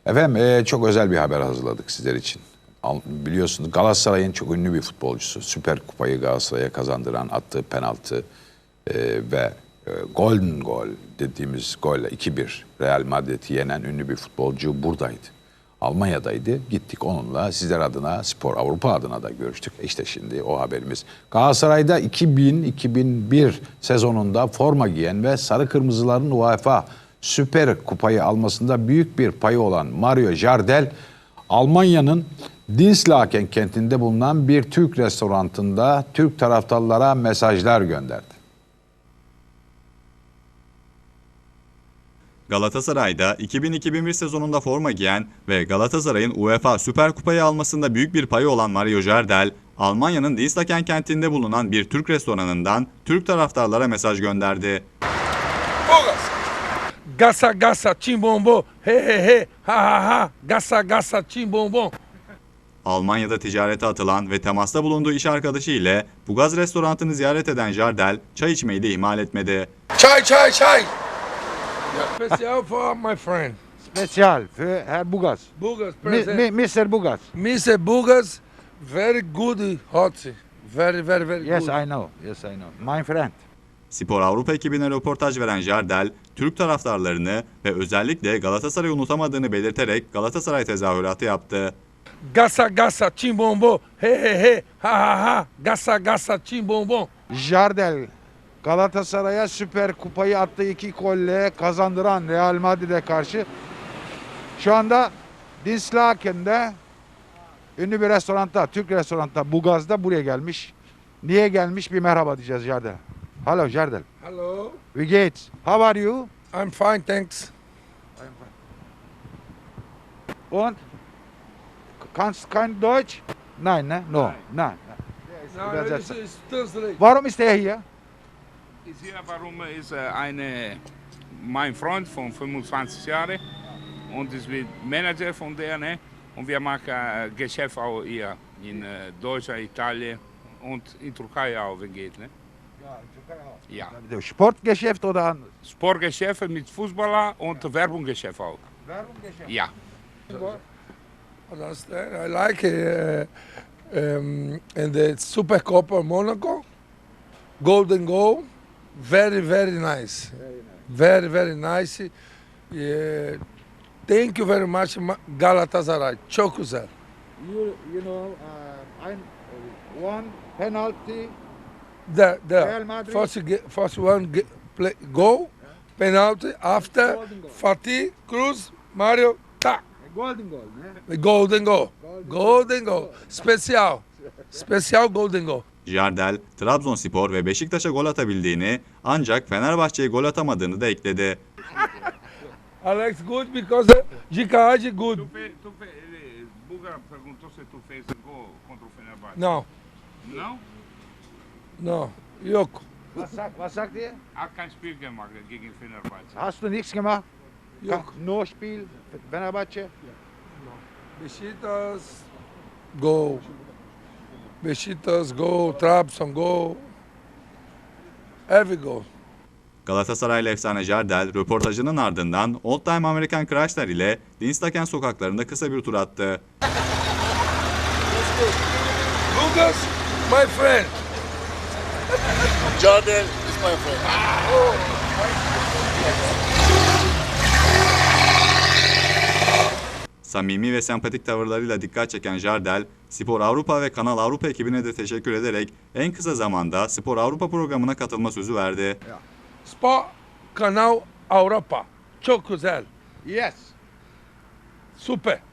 Efendim çok özel bir haber hazırladık sizler için. Biliyorsunuz Galatasaray'ın çok ünlü bir futbolcusu. Süper Kupayı Galatasaray'a kazandıran attığı penaltı ve Golden Goal dediğimiz golle 2-1 Real Madrid'i yenen ünlü bir futbolcu buradaydı. Almanya'daydı. Gittik onunla sizler adına, Spor Avrupa adına da görüştük. İşte şimdi o haberimiz. Galatasaray'da 2000-2001 sezonunda forma giyen ve sarı kırmızıların UEFA Süper Kupayı almasında büyük bir payı olan Mario Jardel, Almanya'nın Dinslaken kentinde bulunan bir Türk restoranında Türk taraftarlara mesajlar gönderdi. Galatasaray'da 2000-2001 sezonunda forma giyen ve Galatasaray'ın UEFA Süper Kupayı almasında büyük bir payı olan Mario Jardel, Almanya'nın Dinslaken kentinde bulunan bir Türk restoranından Türk taraftarlara mesaj gönderdi. Gasa gasa chimbombo, he he he, ha ha ha, gasa gasa chimbombo. Almanya'da ticarete atılan ve temasta bulunduğu iş arkadaşı ile Bugaz restoranını ziyaret eden Jardel, çay içmeyi de ihmal etmedi. Çay çay çay. Special for my friend. Special für Herr Bugaz. Bugas, present. Mr. Bugaz. Mr. Bugas, very good hot. Very Yes, good. I know. Yes, I know. My friend. Spor Avrupa ekibine röportaj veren Jardel, Türk taraftarlarını ve özellikle Galatasaray'ı unutamadığını belirterek Galatasaray tezahüratı yaptı. Gasa gasa chimbombo, he he he, ha ha ha, gasa gasa chimbombo. Jardel Galatasaray'a Süper Kupayı attığı 2 golle kazandıran Real Madrid'e karşı şu anda Dinslaken'de ünlü bir restoranda, Türk restoranda Bugaz'da buraya gelmiş. Niye gelmiş bir merhaba diyeceğiz Jardel. Hello Jardel. Hello. Wie geht's? How are you? I'm fine, thanks. Und? Kannst kein Deutsch? Nein, ne? No. Nein. Now Übersetzer. this is translate. Warum ist er hier? Ist hier, warum ist mein Freund von 25 Jahren und ist mit Manager von der, ne? Und wir machen Geschäft auch hier in Deutschland, Italien und in Türkei auch, wenn geht, ne? Ja. Sportgeschäft oder anders? Sportgeschäfte mit Fußballer und Werbungsgeschäft auch. Werbungsgeschäft. Ja. Understand? I like it. And the Super Copa Monaco, Golden Goal, very nice. Very nice. Thank you very much, Galatasaray. Çok güzel. You know, one penalty. The Real Madrid. first one play, goal, penalty, after Golden goal. Fatih, Cruz, Mario, tak. Golden goal. Ne? Golden goal. Golden goal. Special golden goal. Jardel, Trabzonspor ve Beşiktaş'a gol atabildiğini ancak Fenerbahçe'ye gol atamadığını da ekledi. Alex good because Jica Hagi good. Buga perguntou se tu fez gol contra o Fenerbahçe. No, Não? no, yok. Was sagt ihr? Hat kein Spiel gemacht gegen Fenerbahçe. Hast du nichts gemacht? Yok. No Spiel, Fenerbahçe? Beşiktaş go. Beşiktaş go. Trabzon go. Every go. Galatasaraylı efsane Jardel, röportajının ardından Old Time American Chrysler ile Dinslaken sokaklarında kısa bir tur attı. Lucas, my friend. Jardel is my friend. Samimi ve sempatik tavırlarıyla dikkat çeken Jardel, Spor Avrupa ve Kanal Avrupa ekibine de teşekkür ederek en kısa zamanda Spor Avrupa programına katılma sözü verdi. Spor Kanal Avrupa. Çok güzel. Yes. Super.